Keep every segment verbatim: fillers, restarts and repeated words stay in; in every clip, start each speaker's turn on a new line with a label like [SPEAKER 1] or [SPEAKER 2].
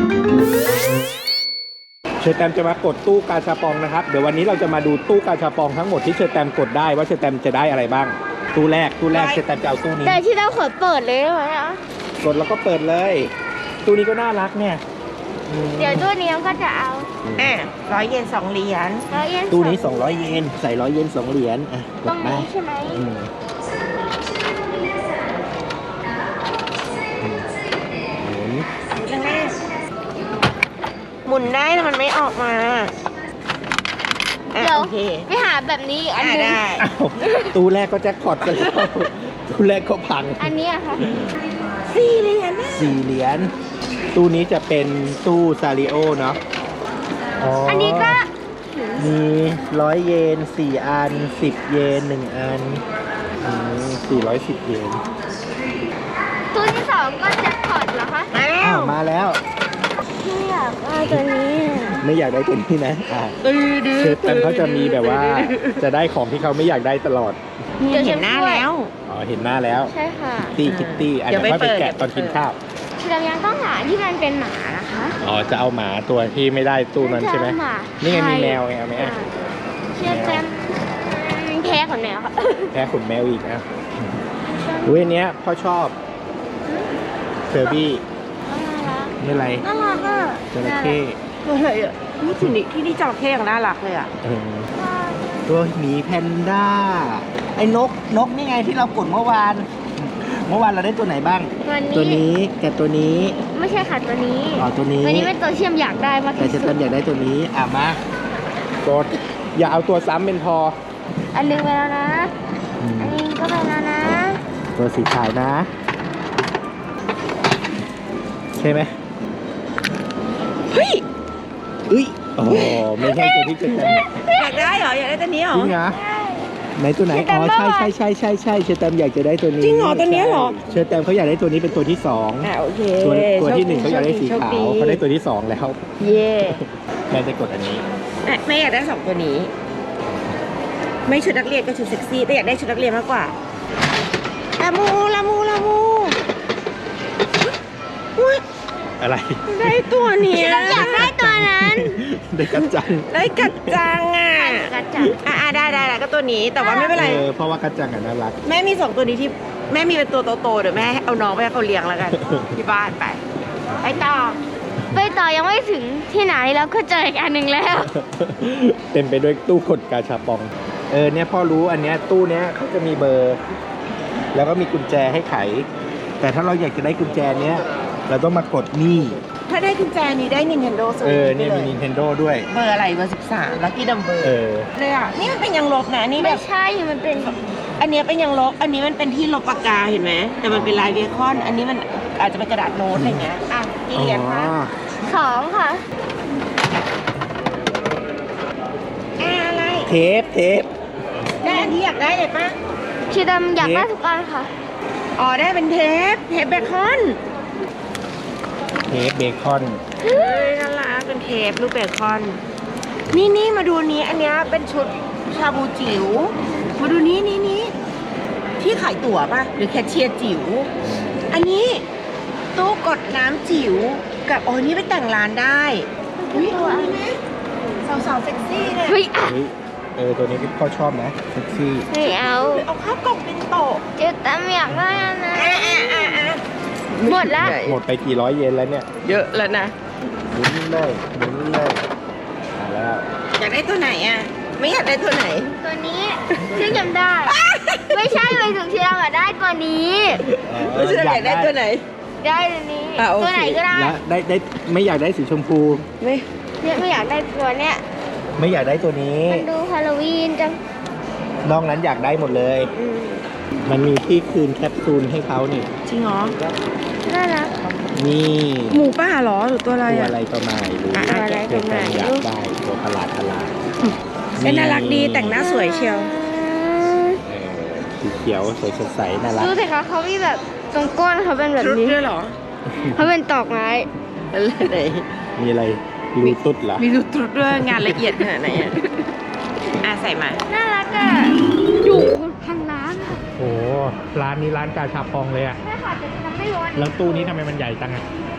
[SPEAKER 1] เชอร์แตมจะมากดตู้กาชาปองนะครับเดี๋ยววันนี้เราจะมาดูตู้กาชาปองทั้งหมดที่เชอร์แตมกดได้ว่าเชอร์แตมจะได้อะไรบ้างตู้แรกตู้แรกเชอร์แตมจะเอาตู้นี้
[SPEAKER 2] แต่ที่เราขอเปิดเลยได้ไหมอ่ะ
[SPEAKER 1] กดแล้วก็เปิดเลยตู้นี้ก็น่ารักเนี่ย
[SPEAKER 2] เดี๋ยวตู้นี้ก็จะเอา
[SPEAKER 3] อ่ะร้อยเยนสองเหรียญ
[SPEAKER 2] ร้อยเยน
[SPEAKER 1] ตู้นี้สองร้อยเยนใส่ร้อยเยนสองเหรียญอ่ะกดมา
[SPEAKER 2] ใช่ไหม
[SPEAKER 3] หมุนได้แต่มันไม่ออกมา
[SPEAKER 2] เดี๋ยวไปหาแบบนี้อันนึงได้
[SPEAKER 1] ตู้แรกก็แจ็คพอตกันแล้วตู้แรกก็พัง
[SPEAKER 2] อันนี้อะค่ะ
[SPEAKER 3] สี่เหรียญ
[SPEAKER 1] สี่เหรียญตู้นี้จะเป็นตู้ซาริโอเนาะ
[SPEAKER 2] อันนี้ก็
[SPEAKER 1] มีร้อยเยนสี่อันสิบเยนหนึ่งอันสี่ร้อยสิบเยน
[SPEAKER 2] ตู้ที่สองก็แจ็คพอตเหรอคะ
[SPEAKER 3] มาแล้ว
[SPEAKER 1] มาแล้ว
[SPEAKER 2] ไม่อยากได้ตัวนี้
[SPEAKER 1] ไม่อยากได้ตัวนี้นะอ่าเชฟแต่เขาจะมีแบบว่าจะได้ของที่เขาไม่อยากได้ตลอด
[SPEAKER 3] เห็นหน้าแล้ว
[SPEAKER 1] อ๋อเห็นหน้าแล้ว
[SPEAKER 2] ใช่ค่ะ
[SPEAKER 1] ตี้คิตตี้อาจจะไม่ไปแกะตอนกินข้าว
[SPEAKER 2] เรายังต้องหาที่มันเป็นหมานะคะ
[SPEAKER 1] อ๋อจะเอาหมาตัวที่ไม่ได้ตู้นั้นใช่ไหมนี่ไงมีแมวไงเอาไหม
[SPEAKER 2] เชื่อแจมแพ้ขนแมวค่ะ
[SPEAKER 1] แพ้ขนแมวอีกนะเว้ยเนี้ยพ่อชอบเซอร์บี้นี่อะไร
[SPEAKER 2] น่ารักอ่ะ
[SPEAKER 1] จระเข้
[SPEAKER 3] อะไรอ่ะนี่ที่นี่ที่นี่จระเข้อย่างน่ารักเลยอ่ะ
[SPEAKER 1] ตัวหมีแพนด้าไอ้นกนกนี่ไงที่เรากดเมื่อวานเมื่อวานเราได้ตัวไหนบ้างตัวนี้กับตัวนี้
[SPEAKER 2] ไม่ใช่ค่ะตัวนี้
[SPEAKER 1] อ๋อตัวนี้
[SPEAKER 2] ตัวนี้เป็นตัวเชื่อมอยากได้มาก
[SPEAKER 1] แต่ฉันอยากได้ตัวนี้อ่ะมากดอย่าเอาตัวซ้ำเป็นพอ
[SPEAKER 2] อันนึงไปแล้วนะอันนี้ก็ไปแล้วนะ
[SPEAKER 1] ตัวสีขาวนะใช่ไหม
[SPEAKER 3] เฮ้ย
[SPEAKER 1] เอ้ยโอ้ไม่ใช่ตัวที่จะแต่
[SPEAKER 3] อยากได้เหรออยากได้ตัวนี้เหรอ
[SPEAKER 1] จริงเหรอไหนตัวไหนอ๋อใช่ใช่ใช่ใช่ใช่เชอร์แตมอยากจะได้ตัวนี้
[SPEAKER 3] จริงเหรอตัวนี้เหรอ
[SPEAKER 1] เชอร์แตมเขาอยากได้ตัวนี้เป็นตัวที่สอง
[SPEAKER 3] อ่าโอเค
[SPEAKER 1] ตัวตัวที่หนึ่งเขาอยากได้สีขาวเขาได้ตัวที่สองแล้ว
[SPEAKER 3] เย่
[SPEAKER 1] แม่จะกดอันนี้
[SPEAKER 3] แม่อยากได้สองตัวนี้ไม่ชุดนักเรียนก็ชุดเซ็กซี่แต่อยากได้ชุดนักเรียนมากกว่าลามูลามูลามูอุ้ย
[SPEAKER 1] อะไร
[SPEAKER 3] ได้ตัวนี้
[SPEAKER 2] อยากได้ตัวนั้น
[SPEAKER 1] ได้กัดจัง
[SPEAKER 3] ได้กัดจังอ่ะ
[SPEAKER 2] กัดจัง
[SPEAKER 3] อ่าได้ได้แล้วก็ตัวนี้แต่ว่าไม่เป็นไร
[SPEAKER 1] เพราะว่ากัดจังอ่ะน่ารัก
[SPEAKER 3] แม่มีสองตัวนี้ที่แม่มีเป็นตัวโตๆเดี๋ยวแม่เอาน้องไปให้เขาเลี้ยงแล้วกันที่บ้านไปไปต่อ
[SPEAKER 2] ไปต่อยังไม่ถึงที่ไหนแล้วก็เจออีกอันหนึ่งแล้ว
[SPEAKER 1] เต็มไปด้วยตู้กดกาชาปองเออเนี่ยพ่อรู้อันเนี้ยตู้เนี้ยเขาจะมีเบอร์แล้วก็มีกุญแจให้ไขแต่ถ้าเราอยากจะได้กุญแจเนี้ยเราต้องมากดนี่
[SPEAKER 3] ถ้าได้กุญแจนี้ได้ Nintendo
[SPEAKER 1] เออเนี่ยมี Nintendo ด้วย
[SPEAKER 3] เบอร์อะไรเบอร์สิบสามลัคกี้ดัมเบอร์
[SPEAKER 1] เออ
[SPEAKER 3] เลยอ่ะนี่มันเป็นยังลบนะนี่
[SPEAKER 2] ไม่ใช่มันเป็น
[SPEAKER 3] อันนี้เป็นยังลบอันนี้มันเป็นที่ลบปากกาเห็นไหมแต่มันเป็นลายเบคอนอันนี้มันอาจจะเป็นกระดาษโน้ตอะไรเงี้ยอ่ะกี่เหรียญคะ
[SPEAKER 2] สองค่ะ
[SPEAKER 3] อะไร
[SPEAKER 1] เทปเทป
[SPEAKER 3] ได้อันที่อยากได้เลยปะ
[SPEAKER 2] ชีดำอยากได้ทุกอันค่ะ
[SPEAKER 3] อ๋อได้เป็นเทปเทปเบคอน
[SPEAKER 1] เทปเบคอน
[SPEAKER 3] เฮ้ยน่ารักเป็นเทปรูปเบคอนนี่นี่มาดูนี้อันนี้เป็นชุดชาบูจิ๋วมาดูนี้นี่นี่ที่ขายตั๋วป่ะหรือแคชเชียร์จิ๋วอันนี้ตู้กดน้ำจิ๋วกับโอ้นี่ไปแต่งร้านได้อุ้ยตัวนี้นะสาวๆเซ็กซี่เนี่ย
[SPEAKER 2] เฮ้ย
[SPEAKER 1] เออตัวนี้พ่อชอบนะเซ็กซี่
[SPEAKER 2] ไม่เอา
[SPEAKER 3] เอาข้าวกล่องเป็นโต๊ะ
[SPEAKER 2] เจ๊ตั้มอยากได้อันนั้นหมดละ
[SPEAKER 1] หมดไปกี่ร้อยเยนแล้วเนี่ย
[SPEAKER 3] เยอะแล้วนะ
[SPEAKER 1] หมุนเลยหมุนเลยมาแล้ว
[SPEAKER 3] อยากได้ตัวไหนอ่ะไม่อยากได้ตัวไหน
[SPEAKER 2] ตัวนี้ที่จำได้ไม่ใช่ไปถึงที่เราอยากได้ตัวนี้
[SPEAKER 3] ไม่ใช่อยากได้ตัวไหน
[SPEAKER 2] ได้ตัวนี้ตัวไหนก็ได้
[SPEAKER 1] ได้ได้ไม่อยากได้สีชมพู
[SPEAKER 3] ไม่
[SPEAKER 2] ไม่อยากได้ตัวเนี้ย
[SPEAKER 1] ไม่อยากได้ตัวนี้
[SPEAKER 2] มันดูฮาโลวีนจัง
[SPEAKER 1] นอกนั้นอยากได้หมดเลยมันมีที่คืนแคปซูลให้เขานี่
[SPEAKER 3] จริงเหรอ
[SPEAKER 2] น่ารัก
[SPEAKER 1] นี่
[SPEAKER 3] หมูป่าหรอหรือตัวอะไร
[SPEAKER 1] ตัวอะไรตัวใหม่รู้
[SPEAKER 2] อะไรตัวใหม่
[SPEAKER 1] อยากได้ตัวประหลาดประหลาด
[SPEAKER 3] เป็นน่ารักดีแต่งหน้าสวยเชียว
[SPEAKER 1] สีเขียวสวยสดใสน่ารัก
[SPEAKER 2] ดูสิคะเขามีแบบตรงก้นเขาเป็นแบบนี้
[SPEAKER 3] ด้วยหรอ
[SPEAKER 2] เขาเป็นตอกไม้
[SPEAKER 3] อะไร
[SPEAKER 1] มีอะไรรูตุ๊ดเหรอ
[SPEAKER 3] มีรูตุ๊ดด้วยงานละเอียดขนาดไหนอ่ะอ่ะใส่มา
[SPEAKER 2] น่ารักอ่ะอยู่ทางร้านอ่ะ
[SPEAKER 1] โอ้ร้านนี้ร้านกาชาปองเลยอ่ะ
[SPEAKER 2] ใช่ค่ะแต่ทำไม่ร้อน
[SPEAKER 1] แล้วตู้นี้ทำไมมันใหญ่จังอ่ะ
[SPEAKER 2] แต่แ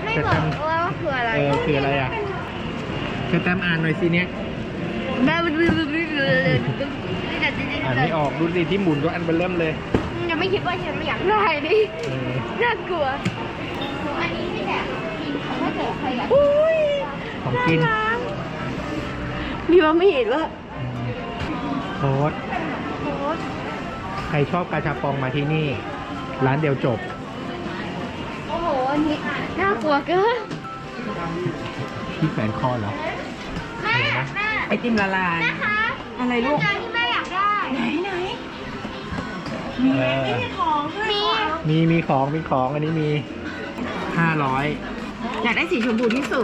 [SPEAKER 2] ไม่บอกว่าคืออะไร
[SPEAKER 1] เออคืออะไรอ่ะเชอแตมอ่านหน่อยสิเนี่ย
[SPEAKER 2] แบบดื้อดื้อดื้อดื้อดื้อดื้อ
[SPEAKER 1] อ่านไม่ออกดูสิที่หมุนก็อันเบลเริ่มเลย
[SPEAKER 2] ยังไม่คิดว่าฉันไม่อยากได้นี่
[SPEAKER 1] เออ
[SPEAKER 2] น่ากลัวอันนี้ไม่แหละกินถ้าเกิดใครอยาก
[SPEAKER 3] อุ้ย
[SPEAKER 1] ของกิน
[SPEAKER 3] มีว่าไม่เห็นว่า
[SPEAKER 1] โค้ดใครชอบกาชาปองมาที่นี่ ร้านเดียวจบ
[SPEAKER 2] โอ้โหอันนี้น่ากลัวเกิน
[SPEAKER 1] ที่แขวนคอเหรอ
[SPEAKER 2] แม่แม่
[SPEAKER 3] ไอติมละลาย
[SPEAKER 2] นะคะ
[SPEAKER 3] อะไรลูก
[SPEAKER 2] จานที่แม่อยากได้
[SPEAKER 3] ไหนไหนมีไหม
[SPEAKER 1] เออ
[SPEAKER 3] ไม่มีของด้วย
[SPEAKER 2] มี
[SPEAKER 1] มีมีของมีของอันนี้มีห้าร้อย
[SPEAKER 3] อยากได้สีชมพูที่สุด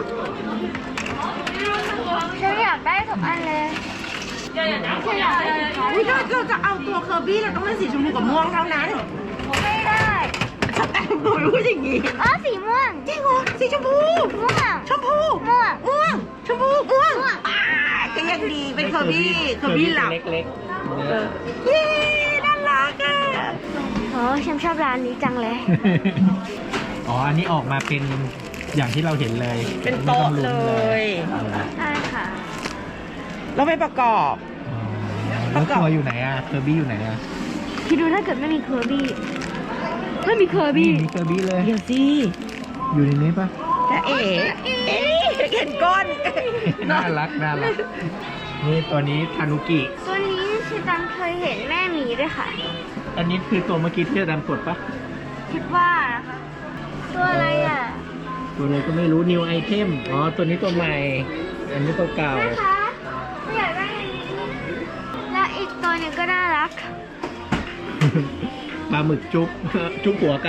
[SPEAKER 2] ฉันอยากได้ทุกอันเลยฉันอยากได้สีขาว
[SPEAKER 3] อุ้ยเราเราจะเอาตัวเคอร์บี้เราต้องเป็นสีชมพูกับม่วงเท่านั้น
[SPEAKER 2] ไม่ได้
[SPEAKER 3] สแตมป์หนูรู้อย่างงี้
[SPEAKER 2] อ๋อสีม่วง
[SPEAKER 3] จริงเหรอสีชมพู
[SPEAKER 2] ม่วง
[SPEAKER 3] ชมพู
[SPEAKER 2] ม่วง
[SPEAKER 3] ม่วงชมพูม่วง
[SPEAKER 2] ม่วง
[SPEAKER 3] อ่าก็ยังดีเป็นเคอร์บี้เคอร์บี้หลับ
[SPEAKER 1] เล็ก
[SPEAKER 3] เออเย้น่ารักอ่ะ
[SPEAKER 2] โอ้ฉันชอบร้านนี้จังเลย
[SPEAKER 1] ๆอ๋ออันนี้ออกมาเป็นอย่างที่เราเห็นเลย
[SPEAKER 3] เป็นโต๊ะ
[SPEAKER 1] ไม่
[SPEAKER 3] เล
[SPEAKER 1] ต้องลุ้น
[SPEAKER 3] ย
[SPEAKER 1] เออ
[SPEAKER 2] ใช่ค่ะ
[SPEAKER 3] เราไปประกอบ
[SPEAKER 1] อ๋อแล้วตัวอยู่ไหนอ่ะเคอร์บี้อยู่ไหนอ่ะ
[SPEAKER 2] คิดดูถ้าเกิดไม่มีเคอร์บี้ไม่มีเคอร์บี้
[SPEAKER 1] มีเคอร์บี้เลย
[SPEAKER 3] เดี๋ยวสิ
[SPEAKER 1] อยู่ในนี้ปะ
[SPEAKER 3] จะเอ๋เอ๊ะเห็นก้น
[SPEAKER 1] น่ารักน่ารักนี่ตัวนี้ทานุกิ
[SPEAKER 2] ตัวนี้ชิตันเคยเห็นแม่หมีด้วยค่ะ
[SPEAKER 1] อันนี้คือตัวเมื่อกี้ที่จะดำกดปะ
[SPEAKER 2] คิดว่านะคะ ตัวอะไรอ่ะ
[SPEAKER 1] ตัวอะไรก็ไม่รู้ new item อ๋อตัวนี้ตัวใหม่ อันนี้ตัวเก่า
[SPEAKER 2] นะคะไม่อยากได้อันนี้แล้วอีกตัวหนึ่งก็น่ารัก
[SPEAKER 1] ปลาหมึกจุ๊บ จุ๊บหัวกัน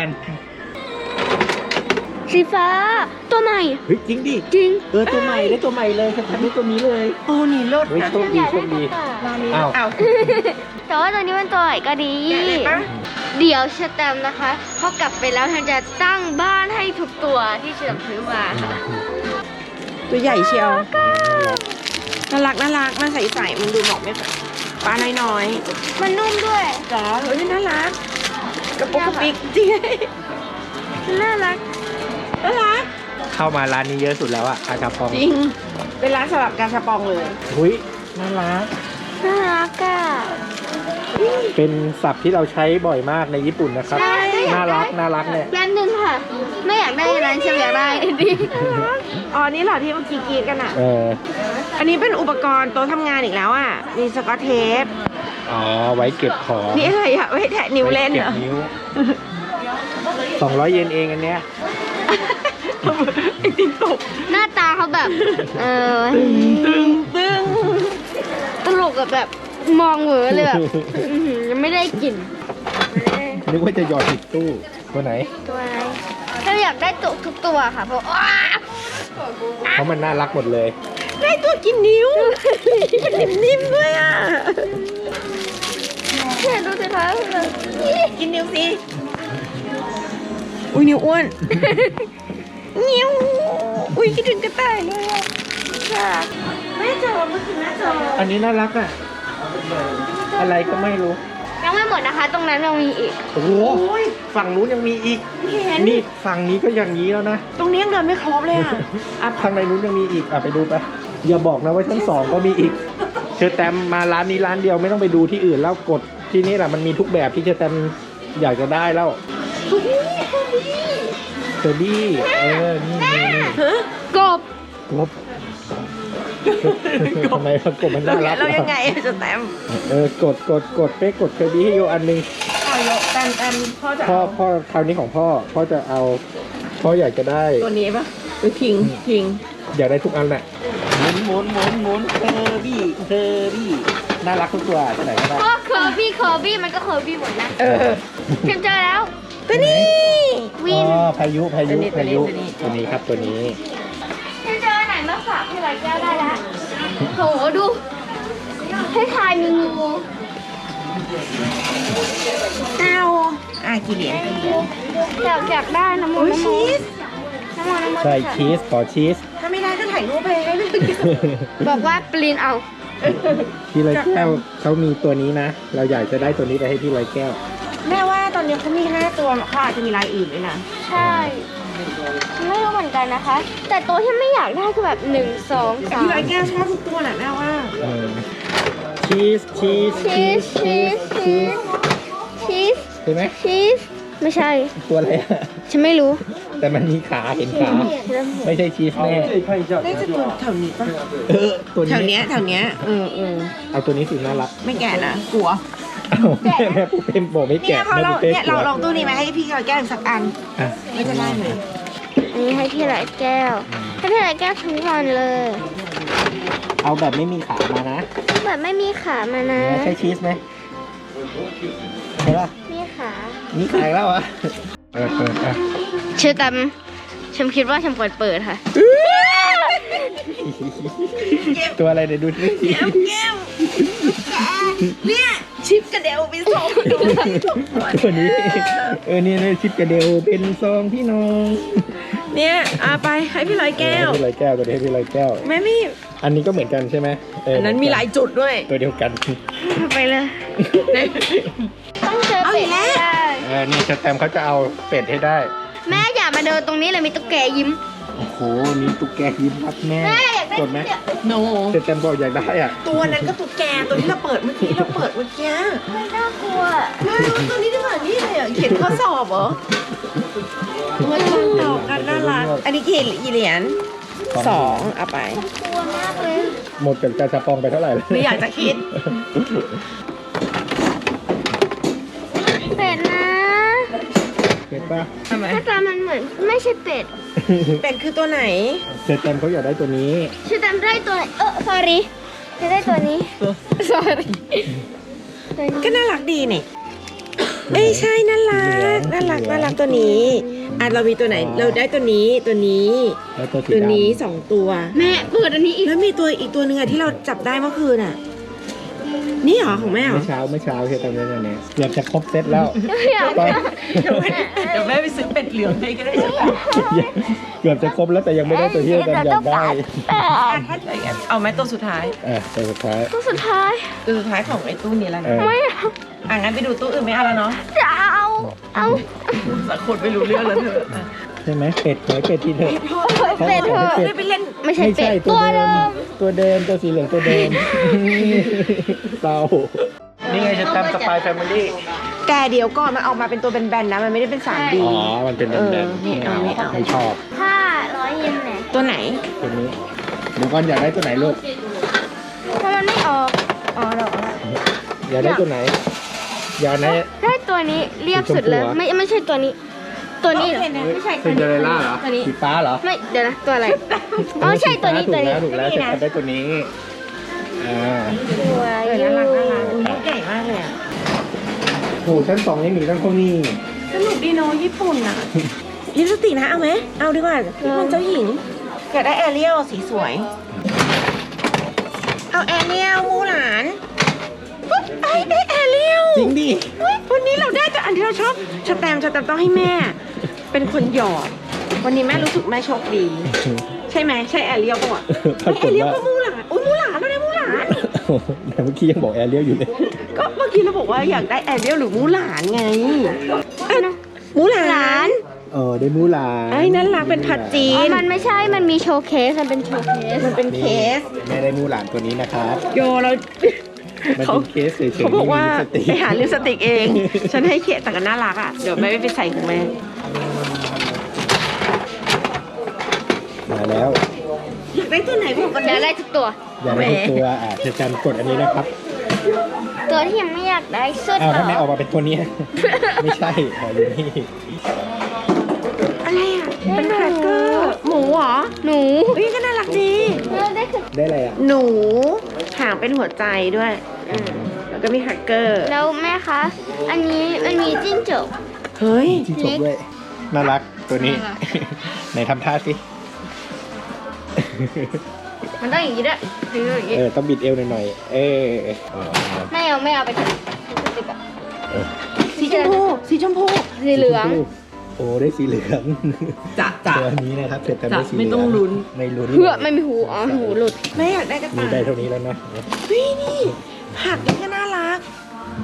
[SPEAKER 2] สีฟ้า ตัวใหม่
[SPEAKER 1] เฮ้ยจริงดิ
[SPEAKER 2] จริง
[SPEAKER 1] เออตัวใหม่ได้ตัวใหม่เลยฉันทำได้ตัวนี้เลย
[SPEAKER 3] โอ้นี่เลิศ
[SPEAKER 1] เฮ้ย
[SPEAKER 3] นะ
[SPEAKER 1] โชคดีโชคดี
[SPEAKER 3] ร้านนี้
[SPEAKER 1] อ้าว
[SPEAKER 3] เอา
[SPEAKER 2] แต่ว่าตัวนี้มันตัวใหม่ก็ดี
[SPEAKER 3] แกะเลยปะ
[SPEAKER 2] เดี๋ยวเชอแตมนะคะพอกลับไปแล้วฉันจะตั้งบ้านให้ทุกตัวที่เชอแตมซื้อมาค่ะ
[SPEAKER 3] ตัวใหญ่เชียวน่ารักน่ารักมันใสๆมันดูเหมาะไม่แบบปลาน้อย
[SPEAKER 2] มันนุ่มด้วย
[SPEAKER 3] ๆจ๋อเฮ้ยน่ารักกระปุกกระปิกจริง
[SPEAKER 2] น่ารัก
[SPEAKER 3] น่ารัก
[SPEAKER 1] เข้ามาร้านนี้เยอะสุดแล้วอะอาชาปอง
[SPEAKER 3] จริง เป็นร้านสำหรับการชาปองเลย
[SPEAKER 1] หุ้ยน่ารัก
[SPEAKER 2] น่ารักอ่ะ
[SPEAKER 1] เป็นศัพท์ที่เราใช้บ่อยมากในญี่ปุ่นนะครับ
[SPEAKER 2] ใช่
[SPEAKER 1] น่ารักน่ารักเนี่ย
[SPEAKER 2] แป๊บนึงค่ะ ไม่อยากได้อะไรฉันอยากได้ดิ
[SPEAKER 3] อ๋อนี่เหรอที่เมื่อกี้กรีดกันอ่ะ
[SPEAKER 1] เออ
[SPEAKER 3] อันนี้เป็นอุปกรณ์โต๊ะทำงานอีกแล้วอ่ะ มีสกอตเทป
[SPEAKER 1] อ๋อ ไว้เก็บของ
[SPEAKER 3] นี่อะไรอ่ะไว้แทะนิ้วเล่นเหรอ
[SPEAKER 1] ไว้ก็บนิ้วสองร้อยเยนเองอันเนี้ย
[SPEAKER 3] ไอติมตก
[SPEAKER 2] หน้าตาเขาแบบ เออ
[SPEAKER 3] ตึงตึง
[SPEAKER 2] ตลกกับแบบมองเหวอเลยแบบอื้อหือยังไม่ได้กลิ่น
[SPEAKER 1] นึกว่าจะหยอดผิดตู้ตัวไหน
[SPEAKER 2] ตัวอะไรฉันอยากได้ตัวทุกตัวค่ะเพราะอ้า
[SPEAKER 1] เพราะมันน่ารักหมดเลย
[SPEAKER 3] ได้ตัวกินนิ้วมันนิ่มๆด้วยอ่ะ
[SPEAKER 2] เนี่ยดูสิคะแบบ
[SPEAKER 3] กินนิ้วสิ อุ้ยนิ้วอ้วน นิ้ว อุ้ยคิดถึงกระต่ายเลยอ่ะค่ะแม่จอเมื่อคืนแม่จอ
[SPEAKER 1] อันนี้น่ารักอ่ะ อะไรก็ไม่รู้
[SPEAKER 2] ยังไม่หมดนะคะ ตรงนั้นยังมีอีก
[SPEAKER 1] โอ้โห ฝั่งนู้นยังมีอีก
[SPEAKER 3] เห็น
[SPEAKER 1] นี่ฝั่งนี้ก็อย่างนี้แล้วนะ
[SPEAKER 3] ตรงนี้ยังเดินไม่ครบเลยอ่ะ
[SPEAKER 1] อ่ะข้างในนู้นยังมีอีก อ่ะไปดูไป อย่าบอกนะว่าชั้นสองก็มีอีก เชอแตมมาร้านนี้ร้านเดียวไม่ต้องไปดูที่อื่นแล้วกดที่นี่แหละมันมีทุกแบบที่เชอแตมอยากจะได้แล้วเชอร์บี้เออ นี่นี่นี่
[SPEAKER 2] กบ
[SPEAKER 1] กบทำไมมันกบมันน่ารัก
[SPEAKER 3] เรายัง
[SPEAKER 1] วะ
[SPEAKER 3] ไงอะจะแตม
[SPEAKER 1] เออกดกดกดเป๊กกดเชอร์บี้ให้โยอันหนึง
[SPEAKER 3] พ่อยกแตมแตมพ่อจะ
[SPEAKER 1] พ่อ
[SPEAKER 3] เอา
[SPEAKER 1] พ่อคราวนี้ของพ่อพ่อจะเอาพ่ออยากจะได้
[SPEAKER 3] ตัวนี้ปะหรือพิงพิง
[SPEAKER 1] อยากได้ทุกอันแหละหมุนหมุนหมุนหมุนเชอร์บี้เชอร์บี้น่ารักทุกตัวที่ไหนก็ได้
[SPEAKER 2] ก็เคอร์บี้เคอร์บี้มันก็เคอร์บี้หมดนะ
[SPEAKER 3] เออ
[SPEAKER 2] ฉันเจอแล้ว
[SPEAKER 3] ตัวนี้
[SPEAKER 2] วิน
[SPEAKER 1] อ๋อพายุพายุ
[SPEAKER 3] ตัวนี้
[SPEAKER 1] พายุ
[SPEAKER 3] ตัวนี้
[SPEAKER 1] ตัวนี้ครับตัวนี้
[SPEAKER 2] ฉันเจอไหนมาฝากพี่ไรแก้วได้แล้วโหดู ให้ทายมีงู
[SPEAKER 3] เอาอ่ะกี่เหรียญกี่เหรียญ
[SPEAKER 2] อยากอยากได้น้ำมัน
[SPEAKER 3] อุ้ย
[SPEAKER 2] น้ำมั
[SPEAKER 3] ชี
[SPEAKER 2] น
[SPEAKER 3] ส
[SPEAKER 2] น้ำมันน้ำมัน
[SPEAKER 1] ใช่ชีสขอชีส
[SPEAKER 3] ถ้าไม่ได้ก็ถ่ายรูปไปให้เลย
[SPEAKER 2] บอกว่าปรินเอา
[SPEAKER 1] พี่ลอยแก้วเขามีตัวนี้นะ เราอยากจะได้ตัวนี้ไปให้พี่ลอยแก้ว
[SPEAKER 3] แม่ว่าตอนนี้เขามีห้าตัวเขาอาจจะมีลายอื่นด้วยนะ
[SPEAKER 2] ใช่ไม่รู้เหมือนกันนะคะ แต่ตัวที่ไม่อยากได้คือแบบหนึ่งสองสาม
[SPEAKER 3] พี่ร้อยแก้วชอบทุกตัวแหละแม่ว่า
[SPEAKER 1] เออชีสชีส
[SPEAKER 2] ชีสชีสชีสชีส
[SPEAKER 1] ใช่ไหม
[SPEAKER 2] ชีสไม่ใช่
[SPEAKER 1] ตัวอะไรอะ
[SPEAKER 2] ฉันไม่รู้
[SPEAKER 1] แต่มันมีขาเห็นขาไม่ใช่ชีสแน่
[SPEAKER 3] น่าจะตัวแถวนี้ปะ
[SPEAKER 1] เออตัว
[SPEAKER 3] แถว
[SPEAKER 1] นี้
[SPEAKER 3] เนี้ยแถวเนี้ยเออเออ
[SPEAKER 1] เอาตัวนี้สิน่ารัก
[SPEAKER 3] ไม่แก่นะกลัว
[SPEAKER 1] เอ้าแม่แม่ปุ๊บเป็นบอกไม่
[SPEAKER 3] เนี่
[SPEAKER 1] แกะ
[SPEAKER 3] ยพอ
[SPEAKER 1] แม่
[SPEAKER 3] เรา
[SPEAKER 1] ปุ๊บเป็น
[SPEAKER 3] เนี่ยเราลองตู้นี้ไหมให้พี่ร้อยแก้วอีกสักอัน
[SPEAKER 1] อ่ะ
[SPEAKER 3] ไม่จะได้ไหม
[SPEAKER 2] อันนี้ให้พี่หลายแก้ว ให้พี่หลายแก้วทั้งวันเลย
[SPEAKER 1] เอาแบบไม่มีขามานะ
[SPEAKER 2] แบบไม่มีขามานะ
[SPEAKER 1] เนี่ยใช่ชีสไหมใช่ปะ
[SPEAKER 2] มีขา
[SPEAKER 1] มีขาอีกแล้วเหรอ่ะเออเอออ่ะ
[SPEAKER 2] เชื่อตามฉันคิดว่าฉันควรเปิดค่ะ
[SPEAKER 1] ตัวอะไรเดี๋ยวดูสิ
[SPEAKER 3] แก้วแก้วเนี่ยชิปกระเดวไปส่งดู
[SPEAKER 1] ตัวนี้เออเนี่ยเนี่ยชิปกระเดวเป็นซองพี่น้อง
[SPEAKER 3] เนี่ยเอาไปให้พี่ร้อยแก้ว
[SPEAKER 1] ให้พี่ลอยแก้วตัวนี้ให้พี่ลอยแก้ว
[SPEAKER 3] แม่ไม่
[SPEAKER 1] อันนี้ก็เหมือนกันใช่ไหมเ
[SPEAKER 3] อันนั้นมีหลายจุดด้วย
[SPEAKER 1] ตัวเดียวกัน
[SPEAKER 2] ไปเลย ต้องเจอ
[SPEAKER 3] เอาอี
[SPEAKER 2] เป็ด
[SPEAKER 3] กแล้ว
[SPEAKER 2] ให้ได้
[SPEAKER 1] เออนี่สแตมป์เขาจะเอาเป็ดให้ได้
[SPEAKER 2] แม่อย่ามาเดินตรงนี้เลยมีตุ๊กแกยิ้ม
[SPEAKER 1] โอ้โหนี่ตุ๊กแกยิ้มครับแม่
[SPEAKER 2] แม่อยากได้
[SPEAKER 1] กดไหม
[SPEAKER 3] โน
[SPEAKER 1] สแตมป์บอกอยากได้อ่ะ
[SPEAKER 3] ตัวนั้นก็ตุ๊กแกตัวที่เราเปิดเมื่อกี้เราเปิดเมื่อกี้
[SPEAKER 2] ไม่น่ากลัว
[SPEAKER 3] ไม่ตัวนี้ดีกว่านี่เลยอ่ะเขียนข้อสอบเหรอมันตรงต่อกันน่ารักอันนี้กี่กี่เหรียญสองเอาไป
[SPEAKER 2] กลัวมากเลย
[SPEAKER 1] หมดกับกาชาปองไปเท่าไหร่แล้ว
[SPEAKER 3] ไม่อยากจะคิด
[SPEAKER 2] เป็ดนะ
[SPEAKER 1] เป็ดป่ะ
[SPEAKER 3] ทำไม
[SPEAKER 2] หน้าตามันเหมือนไม่ใช่เป็ด
[SPEAKER 3] เป็นคือตัวไหน
[SPEAKER 1] สแตมป์เขาอยากได้ตัวนี้
[SPEAKER 2] ชื่อจำได้ตัวไหนเออ sorry จะได้ตัวนี้ sorry ตัวนี้
[SPEAKER 3] ก็น่ารักดีนี่ไม่ใช่น่ารักน่ารักน่ารักตัวนี้อ่ะเรามีตัวไหนเราได้ตัวนี้ตัวนี้
[SPEAKER 1] แล้วตัวสี
[SPEAKER 3] ตัว
[SPEAKER 1] ดำ
[SPEAKER 3] นี้สองตัว
[SPEAKER 2] แม่เปิดอันนี้อีก
[SPEAKER 3] แล้วมีตัวอีกตัวหนึ่งอะที่เราจับได้เมื่อคืนอะนี่เหรอของแม่เหรอ
[SPEAKER 1] เมื่อเช้าเมื่อเช้าสแตมป์เนี่ยเนี่ยเกือบจะครบเซตแล้ว
[SPEAKER 2] อยาก
[SPEAKER 1] ตอน
[SPEAKER 3] เดี๋ยวแม่เดี๋ยวแม่ไปซื้อเป็ดเหลืองให้ก็ได้ใช่ไหม
[SPEAKER 1] เกือบจะครบแล้วแต่ยังไม่ได้ตัวที่สแตมป์อยากได้
[SPEAKER 2] แต่
[SPEAKER 3] ถ้าอย่างนั้นเอาไหมตัวสุดท้าย
[SPEAKER 1] อ่ะตัวสุดท้าย
[SPEAKER 2] ตัวสุดท้าย
[SPEAKER 3] ตัวสุดท้ายของไอ้ตู้นี้แล้ว
[SPEAKER 1] เอ
[SPEAKER 3] นะ
[SPEAKER 1] อ
[SPEAKER 2] ไม่เอา
[SPEAKER 3] อ่ะงั้นไปดูตู้อื่นไม่เอาแล้วเนาะ
[SPEAKER 2] จะเอา เอา
[SPEAKER 3] สักคนไม่รู้เรื่องแล้วเธออ่ะ
[SPEAKER 1] ใช่ไหมเป็ดหอยเป็ดที่เถอะ
[SPEAKER 2] เป็ดเถอะ
[SPEAKER 3] ได้ไปเล่น
[SPEAKER 2] ไม่ใช่
[SPEAKER 1] ไม่
[SPEAKER 2] เป็
[SPEAKER 1] ใช่
[SPEAKER 2] ด
[SPEAKER 1] ตั
[SPEAKER 2] ตัว ว
[SPEAKER 1] เดิ
[SPEAKER 2] เดิ
[SPEAKER 1] ม
[SPEAKER 2] ม
[SPEAKER 1] ตัวเดิมตัวสีเหลืองตัวเดิมเศร้านี่ไงจะทำสปายแฟมิลี่
[SPEAKER 3] แกเดี๋ยวก่อนมันออกมาเป็นตัวแบนๆนะมันไม่ได้เป็นสามดี
[SPEAKER 1] อ๋อ มันเป็นแบน
[SPEAKER 3] เออ
[SPEAKER 1] ๆ
[SPEAKER 3] ไม่เอาไม่เอา
[SPEAKER 1] ไม่ชอบ
[SPEAKER 2] ห้าร้อยเยนเนี่ย
[SPEAKER 3] ตัวไหน
[SPEAKER 1] ตัวนี้เดี๋ยวก่อนอยากได้ตัวไหนลูก
[SPEAKER 2] ถ้ามันไม่ออก อ๋อเหรอ
[SPEAKER 1] อยากได้ตัวไหน อยากได้
[SPEAKER 2] ได้ตัวนี้เรียบสุดเลย
[SPEAKER 1] สีชมพูเหรอ
[SPEAKER 2] ไม่ไม่ใช่ตัวนี้ ตัวนี้เหรอ
[SPEAKER 3] ไม่ใช่
[SPEAKER 1] ซินเดอเรลล่าเหรอ
[SPEAKER 2] ตัวนี้
[SPEAKER 1] สีฟ้าเหรอ
[SPEAKER 2] ไม่ เดี๋ยวนะ ตัวอะไร อ๋อ ใช่ตัวนี้
[SPEAKER 1] ถู
[SPEAKER 2] ตัว
[SPEAKER 1] ก
[SPEAKER 2] นี้
[SPEAKER 1] แล้วถูกแล้วจะทำได้ตัวนี้ อ่า
[SPEAKER 2] สวย
[SPEAKER 3] เออ
[SPEAKER 2] อยู่
[SPEAKER 3] น่ารักน่ารักอุ้ยใหญ่มากเลยอ่ะ
[SPEAKER 1] โหชั้นสองยังมีตั้งเท่านี้
[SPEAKER 3] สนุกดีเนาะญี่ปุ่นอ่ะยิปสติกนะเอาไหมเอาดีกว่าพี่มันเจ้าหญิงเกิดได้แอเรียลสีสวย เอาแอเรียลมูหลานปุ๊บไอ้ได้แอเรียล
[SPEAKER 1] จริงดิ
[SPEAKER 3] เฮ้ยวันนี้เราได้แต่อันที่เราชอบชแตมป์ชแตมป์ต้องให้แม่ เป็นคนหยอด วันนี้แม่รู้สึกแม่โชคดี ใช่ไหมใช่แอเรียลป่ะ
[SPEAKER 1] ปรา
[SPEAKER 3] เฮ้ย
[SPEAKER 1] ก
[SPEAKER 3] แอ
[SPEAKER 1] ฏ
[SPEAKER 3] เรียล
[SPEAKER 1] ว่า
[SPEAKER 3] ก็มูหลานอุ้ยมูหลานเราได้มูหลาน
[SPEAKER 1] แต่เมื่อกี้ยังบอกแอร์เรียลอยู่เลย
[SPEAKER 3] ก็เมื่อกี้เราบอกว่าอยากได้แอเรียลหรือมูหลานไงเอ้ยมูหลาน
[SPEAKER 1] เออได้มูหลาน
[SPEAKER 3] ไอ้นั่นรักเป็นผัดจี
[SPEAKER 2] อ๋อน มันไม่ใช่ มันมีโชว์เคส มันเป็นโชว์เคส
[SPEAKER 3] มันเป็นเคส
[SPEAKER 1] แม่ได้มูหลานตัวนี้นะครับ
[SPEAKER 3] โยเรา
[SPEAKER 1] มัน
[SPEAKER 3] เขา
[SPEAKER 1] เป็นเคสเฉยๆ
[SPEAKER 3] เขาบอกว่า
[SPEAKER 1] ไม่มีลิปสติก
[SPEAKER 3] ไปหาลิปสติกเอง ฉันให้เคสแต่ก็น่ารักอ่ะ เดี๋ยวแม่ไปใส่ของแม่
[SPEAKER 1] มาแล้ว
[SPEAKER 3] อยากได้ตัวไหนบอกกัน
[SPEAKER 2] อยากได้ทุกตัว
[SPEAKER 1] อยากได้ทุกตัวอ่ะจะจำกดอันนี้นะครับ
[SPEAKER 2] ตัวที่ยังไม่อยากได้สุด
[SPEAKER 1] อ้าว
[SPEAKER 2] เหร
[SPEAKER 1] ถ้าไม่ออ
[SPEAKER 2] อก
[SPEAKER 1] มาเป็นตัวนี้ ไม่ใช่ขออยู่นี่
[SPEAKER 3] อะไรอ่ะ เป็นแครกเกอร์ หมูเหรอ
[SPEAKER 2] หนู
[SPEAKER 3] เฮ้ยก็น่ารักดี
[SPEAKER 2] เราได้คือ
[SPEAKER 1] ได้อะไรอ่ะ
[SPEAKER 3] หนู หางเป็นหัวใจด้วยอืมแล้วก็มีแครกเกอร์
[SPEAKER 2] แล้วแม่คะ อันนี้มันมีจิ้งจก
[SPEAKER 3] เฮ้ย
[SPEAKER 1] ที่จบด้วย น่ารักตัวนี้
[SPEAKER 2] น่ารัก
[SPEAKER 1] ไหนทำท่าสิ
[SPEAKER 2] มันต้องอย่างนี้ด้วยถืออย่างนี้
[SPEAKER 1] เออ ต้องบิดเอวหน่อยๆ เออเออ
[SPEAKER 2] ไม่เอาไม่เอาไปเถอะติดอะ
[SPEAKER 1] เออ
[SPEAKER 3] สีชมพู สีชมพู
[SPEAKER 2] สีเหลือง
[SPEAKER 1] โอ้ ได้สีเหลือง
[SPEAKER 3] จะจะ
[SPEAKER 1] ตัวนี้นะครับเสร็จแต่ได้สีเหลื
[SPEAKER 3] ไม่ต้องลุ้น
[SPEAKER 1] ไม่ลุ้น
[SPEAKER 2] เพื่อไม่มีหู อ๋อ หูหลุด
[SPEAKER 3] ไม่อยากได้กระ
[SPEAKER 1] มี
[SPEAKER 3] ต่าย
[SPEAKER 1] ได้เท่านี้แล้วนะ
[SPEAKER 3] เฮ้ยนี่ ผักนี่ก็น่ารัก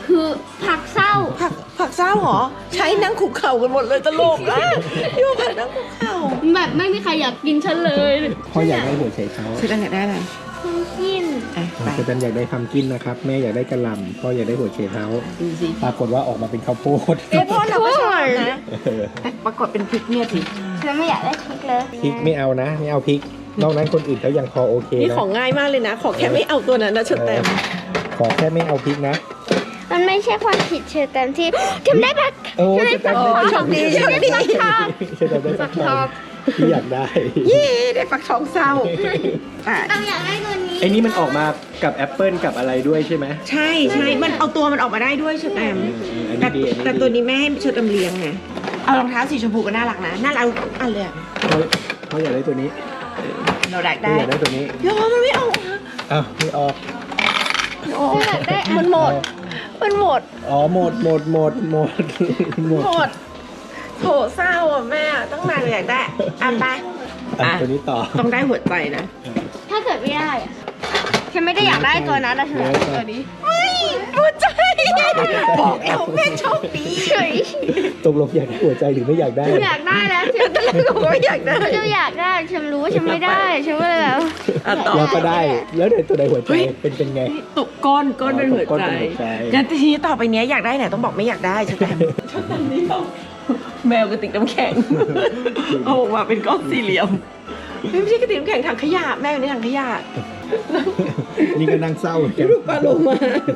[SPEAKER 2] คือผักเศร้า
[SPEAKER 3] ผักผักเศร้าเหรอ ใช้นั่งคุกเข่ากันหมดเลยตลกอ่ะพี่ว่าผักนั่งคุกเข่า
[SPEAKER 2] แบบไม่มีใครอยากกินฉันเลย
[SPEAKER 1] พ่ออยากได้หัวไชเท้า
[SPEAKER 3] เชตันอยากได้อะไร
[SPEAKER 2] คุณกิน
[SPEAKER 3] อ่ะไป
[SPEAKER 1] เชตันอยากได้พัมกินนะครับแม่อยากได้กระหล่ำพ่ออยากได้หัวไชเท้า
[SPEAKER 3] ดูสิ
[SPEAKER 1] ปรากฏว่าออกมาเป็นข้าวโพด
[SPEAKER 3] เอ้พ่อเราก็ชอบนะ
[SPEAKER 1] เออ
[SPEAKER 3] แต่ปรากฏเป็นพริกเนี่ยสิ
[SPEAKER 2] ฉันไม่อยากได้พริกเลย
[SPEAKER 1] พริกไม่เอานะไม่เอาพริกนอกนั้นคนอื่นเขายังพอโอเค
[SPEAKER 3] นี่
[SPEAKER 1] นะ
[SPEAKER 3] ของง่ายมากเลยนะ ขอแค่ไม่เอาตัวนั้นนะเชตัน
[SPEAKER 1] ขอแค่ไม่เอาพริกนะ
[SPEAKER 2] มันไม่ใช่ความผิดเชอแตมที่ทำได้ปะ
[SPEAKER 1] โอ้
[SPEAKER 2] ทำได้
[SPEAKER 1] เชตั
[SPEAKER 2] ปะ
[SPEAKER 1] นได้
[SPEAKER 3] โชคดีโชคดี
[SPEAKER 1] เชตันได้ฟักทองที่อยากได้
[SPEAKER 3] เย้ได้ฟักทองเศร้าอ่ะ
[SPEAKER 2] เราอยากได้ตัวนี้
[SPEAKER 1] ไอ้นี่มันออกมากับแอปเปิลกับอะไรด้วยใช่ไหม
[SPEAKER 3] ใช่ใช่มันเอาตัวมันออกมาได้ด้วยเชตัน
[SPEAKER 1] อัน
[SPEAKER 3] แต่
[SPEAKER 1] นี้ดีอันนี้
[SPEAKER 3] แต่
[SPEAKER 1] ดี
[SPEAKER 3] ตัวนี้แม่ให้เชตันเลี้ยงไงเอารองเท้าสีชมพูก็น่ารักนะน่ารักทุกอันเลยอะ
[SPEAKER 1] เขาเขาอยากได้ตัวนี้
[SPEAKER 3] เราได้
[SPEAKER 1] เขา
[SPEAKER 3] ได้
[SPEAKER 1] อยากได้ตัวนี้
[SPEAKER 3] โยมันไม่ออกนะ
[SPEAKER 1] อ้าวไม่ออก
[SPEAKER 3] โอ้มันหมด มันหมด
[SPEAKER 1] อ๋อหมดหมดหมดหมดหมด
[SPEAKER 3] หมดโถเศร้าอ่ะแม่ต้องนานอยากได้อ่ะไป
[SPEAKER 1] อ่ะ
[SPEAKER 3] อ่ะ
[SPEAKER 1] ตัวนี้ต่อ
[SPEAKER 3] ต้องได้หัวใจนะ
[SPEAKER 2] ถ้าเกิดไม่ได้อะฉันไม่ได้อยากได้ตัวนั้นนะฉันอยากได้ตัวนี้
[SPEAKER 3] ไม่หัวใจบอกแล้วแม่โชคดี
[SPEAKER 2] เฉย
[SPEAKER 1] ตกลงอยากได้หัวใจหรือไม่อยากได้
[SPEAKER 2] ฉันอยากได้แล้วฉัน
[SPEAKER 3] บอกว่าอยากได้
[SPEAKER 2] ฉันอยากได้ฉันรู้ว่าฉันไม่ได้ฉันก็เลยแบบ
[SPEAKER 3] อ่ะต่อ
[SPEAKER 1] เราก็ได้ แล้วเดี๋ยวตัวใดหัวใจ
[SPEAKER 3] เฮ้ย
[SPEAKER 1] เป็นเป็นไง
[SPEAKER 3] ตุกก้อนก้อนเป็นหัว
[SPEAKER 1] ก้อน
[SPEAKER 3] ใจ
[SPEAKER 1] เป็นหัวใจ
[SPEAKER 3] งั้นทีนี้ต่อไปเนี้ยอยากได้ไหนต้องบอกไม่อยากได้ใช่ไหมชอบแบบนี้ต้องแมวกระติกน้ำแข็งเอาออกมาเป็นก้อนสี่เหลี่ยมไม่ใช่กระติกน้ำแข็งถังขยะแม่อยู่ในถังขยะ
[SPEAKER 1] นี่ก็นั่งเศร้าเหมือนกัน
[SPEAKER 3] ปลาโลมา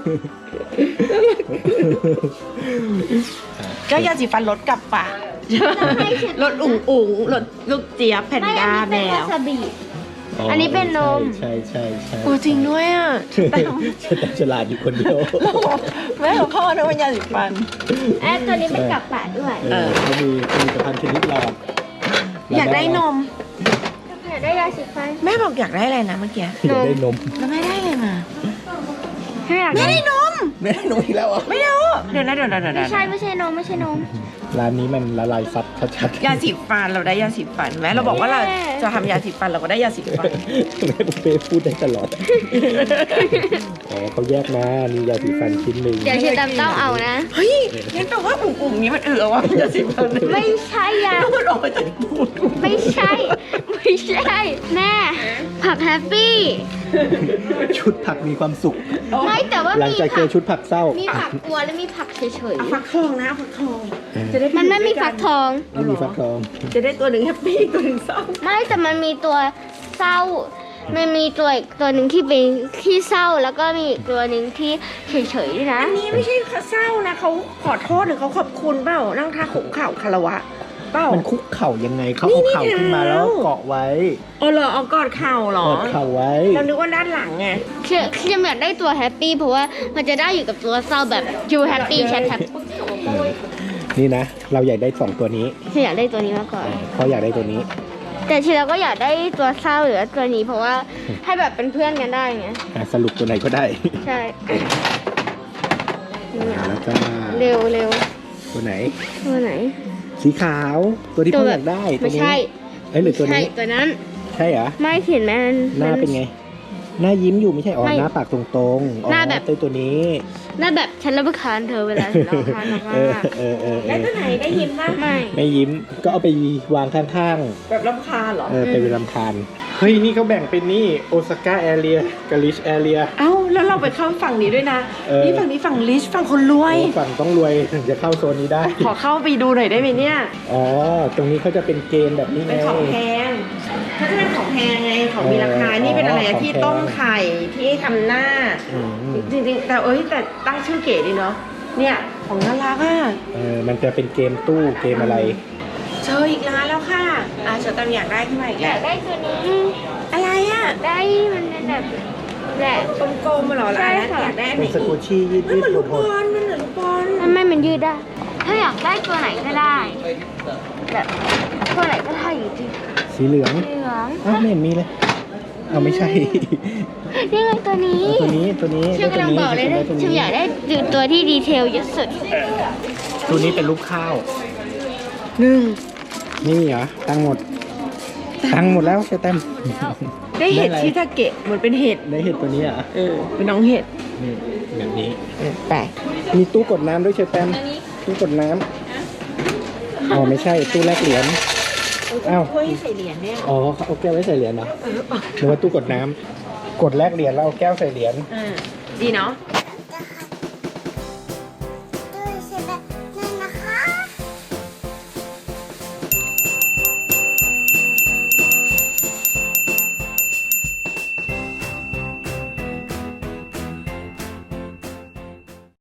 [SPEAKER 3] ก็ยาสีฟันรถกลับป่ะรถอุ๋งอุ๋งรถลูกเจี๊ยบแพน
[SPEAKER 2] ไม่
[SPEAKER 3] ด้า
[SPEAKER 2] อัน
[SPEAKER 3] แม
[SPEAKER 2] นี้เป็นวาว ซาบิ อันนี้เป็นนม
[SPEAKER 1] ใช่ใช่ใช่
[SPEAKER 3] โอ้จริงด้วยอ่ะแต่
[SPEAKER 1] แต่ฉลาดอยู่คนเดียว
[SPEAKER 3] แม่ของพ่อนะว่ายาสีฟัน
[SPEAKER 2] ไอ้ตัวนี้เป็นกับปะด้วย
[SPEAKER 1] เออเขามีผลิตภัณฑ์ชนิดหลอด
[SPEAKER 3] อยากได้นม
[SPEAKER 2] อยากได้ยาสีฟัน
[SPEAKER 3] แม่บอกอยากได้อะไรนะเมื่อกี้
[SPEAKER 1] อยากได้นม
[SPEAKER 3] แล้วแม่ได้อะไรมา
[SPEAKER 2] ฉันอยาก
[SPEAKER 3] ไม่
[SPEAKER 2] ได้
[SPEAKER 3] ได้นม
[SPEAKER 1] ไม่ได้นมอีกแล้วเหรอ
[SPEAKER 3] ไม่เอาเดี๋ยวนะเดี๋ยวนะเดี๋ยว
[SPEAKER 2] ไม่
[SPEAKER 3] นะ
[SPEAKER 2] ใช่ไม่ใช่นมไม่ใช่นม
[SPEAKER 1] ร้านนี้มันละลายซับชัดๆ
[SPEAKER 3] ยาสีฟันเราได้ยาสีฟันแม้เราบอกว่าเราจะทำยาสีฟันเราก็ได้ยาสีฟัน
[SPEAKER 1] แม่ปุ๊เป้พูดได้ตลอด อ๋อเขาแยกมามียาสีฟันชิ้นหนึ่ง
[SPEAKER 2] เดี๋ยวเชอตามต้องเอานะ
[SPEAKER 3] เฮ้ยงั้นแปลว่าอุ่มๆนี้มันเออว่ายาสีฟัน
[SPEAKER 2] ไม่ใช่ยา
[SPEAKER 3] แล้วมันออกมาจากปูด
[SPEAKER 2] ไม่ใช่ ไม่ใช่ แม่ผักแฮปปี้
[SPEAKER 1] ชุดผักมีความสุข
[SPEAKER 2] ไม่แต่ว่า
[SPEAKER 1] หลัง
[SPEAKER 2] มี
[SPEAKER 1] จากเจ
[SPEAKER 2] ผั
[SPEAKER 1] อก ชุดผักเศร้า
[SPEAKER 2] มีผักกลัวและมีผักเฉย
[SPEAKER 3] เอาฟักทองนะเอาฟักทอง
[SPEAKER 1] เออ
[SPEAKER 3] จะได้
[SPEAKER 2] ๆมันไม่มีฟักทอง
[SPEAKER 1] ไม่มีฟักทอง
[SPEAKER 3] จะได้ตัวหนึ่งแฮปปี้ตัวหนึ่งเศร้า
[SPEAKER 2] ไม่แต่มันมีตัวเศร้า มันมีตัวอีกตัวหนึ่งที่เป็นที่เศร้าแล้วก็มีอีกตัวหนึ่งที่เฉยๆด้วยนะ
[SPEAKER 3] อันนี้ไม่ใช่เศร้านะเขาขอโทษหรือเขาขอบคุณเปล่านั่งท่าขุกเข่าคารวะเปล่า
[SPEAKER 1] มันคุกเข่ายังไงเขาเอาเข่าขึ้นมาแล้วเกาะไว้
[SPEAKER 3] อ๋อเหรอเอากอดเข่าเหรอก
[SPEAKER 1] อดเข่าไว้
[SPEAKER 3] เรานึกว่าด้านหลังไง
[SPEAKER 2] คือคืออยากได้ตัวแฮปปี้เพราะว่ามันจะได้อยู่กับตัวเศร้าแบบ you happy chat happy
[SPEAKER 1] นี่นะ เราอยากได้สองตัวนี้
[SPEAKER 2] ฉันอยากได้ตัวนี้มากกว่า
[SPEAKER 1] เพราะอยากได้ตัวนี้
[SPEAKER 2] แต่ทีเราก็อยากได้ตัวเศร้าหรือว่าตัวนี้เพราะว่าให้แบบเป็นเพื่อนกันได้ไง
[SPEAKER 1] อ่ะสรุปตัวไหนก็ได้
[SPEAKER 2] ใช่เนี่ย
[SPEAKER 1] แล้วก็
[SPEAKER 2] เร็วเร็ว
[SPEAKER 1] ตัวไหน
[SPEAKER 2] ตัวไหน
[SPEAKER 1] สีขาว ตัวที่พ่ออยากได้ ตัว
[SPEAKER 2] ไม่
[SPEAKER 1] นี้
[SPEAKER 2] ใช่
[SPEAKER 1] เอ้ยหรือตัว
[SPEAKER 2] ใช่
[SPEAKER 1] นี้
[SPEAKER 2] ตัวนั้น
[SPEAKER 1] ใช่เหรอ
[SPEAKER 2] ไม่เห็นไหมมั
[SPEAKER 1] หน้าเป็นไง หน้ายิ้มอยู่ไม่ใช่อ๋อ
[SPEAKER 2] ไม่
[SPEAKER 1] หน้าปากตรงๆอ๋อ
[SPEAKER 2] หน้าแบบ
[SPEAKER 1] ตัวตัวนี้
[SPEAKER 2] น่าแบบฉันรับประทานเธอเวลาฉันรับประทานมาก
[SPEAKER 1] เออเออเออเอ
[SPEAKER 3] ได้
[SPEAKER 1] อ
[SPEAKER 3] ตัวไหนได้ยิ้มนะ
[SPEAKER 2] ๆไม่
[SPEAKER 1] ไม่ยิ้มก็เอาไปวางข้าง
[SPEAKER 3] แบบรำคาญเหรอ
[SPEAKER 1] ๆ เออไปเป็นลำคาญเฮ้ย นี่เขาแบ่งเป็นนี่โอซาก้าแอเรียกับลิชแอเรีย
[SPEAKER 3] เอ้าแล้วเราไปเข้าฝั่งนี้ด้วยนะ
[SPEAKER 1] เออ
[SPEAKER 3] นี่ฝั่งนี้ฝั่งลิชฝั่งคนรวย
[SPEAKER 1] ฝั่งต้องรวยถึงจะเข้าโซนนี้ได้
[SPEAKER 3] ขอเข้าไปดูหน่อยได้ไหมเนี่ย
[SPEAKER 1] อ๋อ ตรงนี้เขาจะเป็นเกมแบบนี้ไง
[SPEAKER 3] เป็นของแพงเขาจะเป็นของแพงไงของมีราคา
[SPEAKER 1] เออ
[SPEAKER 3] นี่เป็นอะไร
[SPEAKER 1] อ๋อ
[SPEAKER 3] อะ
[SPEAKER 1] ของ
[SPEAKER 3] ที่
[SPEAKER 1] แพง
[SPEAKER 3] ต้มไข่ที่ทำหน้า
[SPEAKER 1] อืม
[SPEAKER 3] จริงๆแต่เอ้ยแต่ตั้งชื่อเก๋ดีเนาะเนี่ยของน่ารักอ่ะ
[SPEAKER 1] เออมันจะเป็นเกมตู้เกมอะไร
[SPEAKER 3] เจออีกร้านแล้วค่ะอ่ะเชอตันอยากได้ขึ้นมาอีก
[SPEAKER 2] อ
[SPEAKER 3] แล้
[SPEAKER 2] ยาว กได้ตัวนี้
[SPEAKER 3] อะไรอ่ะ
[SPEAKER 2] ได้มันเป็นแบบแบบ
[SPEAKER 3] กลมๆมาเหรอ
[SPEAKER 2] ใช่
[SPEAKER 3] ร้าน
[SPEAKER 2] ค่ะ
[SPEAKER 3] อยากได้อันไหน
[SPEAKER 1] เป็นส
[SPEAKER 3] อี
[SPEAKER 1] กู
[SPEAKER 3] ก
[SPEAKER 1] ชี่ยืด
[SPEAKER 3] มัน
[SPEAKER 1] ยื
[SPEAKER 3] เหมือน
[SPEAKER 1] ด
[SPEAKER 3] ลูก
[SPEAKER 1] ห
[SPEAKER 3] บ
[SPEAKER 1] ด
[SPEAKER 3] อลมันเหมือนลูกบอล
[SPEAKER 2] มันไม่มันยืดได้ ถ้าอยากได้ตัวไหนก็ได้ แบบตัวไหนก็ได้อยู่จริง
[SPEAKER 1] ๆสีเหลือง
[SPEAKER 2] เหลือง
[SPEAKER 1] อ้าวไม่เห็นมีเลยเอาไม่ใช่
[SPEAKER 2] นี่ไงตัวนี้
[SPEAKER 1] ตัวนี้ตัวนี้
[SPEAKER 2] ชื่อกำลังบอกเลยนะ
[SPEAKER 1] ตัว
[SPEAKER 2] ฉัน
[SPEAKER 1] นี้
[SPEAKER 2] อยากได้ตัวที่ดีเทลเยอะสุด
[SPEAKER 1] ตัวนี้เป็นรูปข้าว
[SPEAKER 3] หนึ่ง
[SPEAKER 1] นี่เหรอตั้งหมด
[SPEAKER 3] แต่
[SPEAKER 1] ตังค์หมดแล้วเชอแตม
[SPEAKER 3] ได้เห็ด
[SPEAKER 1] ได้อะไร
[SPEAKER 3] ชิทาเกะเหมือนเป็นเห็ด
[SPEAKER 1] ได้เห็ดตัวนี้อ่ะ
[SPEAKER 3] เออเป็นน้องเห็ด
[SPEAKER 1] นี่แบบนี้
[SPEAKER 3] เออแปลก
[SPEAKER 1] มีตู้กดน้ำด้วยเชอแตมตู้กดน้ำอ๋อไม่ใช่ตู้แลกเหรียญ อ้าว
[SPEAKER 3] ถ้วยใส่เหรียญเนี่ย
[SPEAKER 1] อ๋อเขาเอาแก้วไว้ใส่เหรียญเนาะหรือว่าตู้กดน้ำกดแลกเหรียญแล้วเอาแก้วใส่เหรียญ
[SPEAKER 3] เออดีเนาะ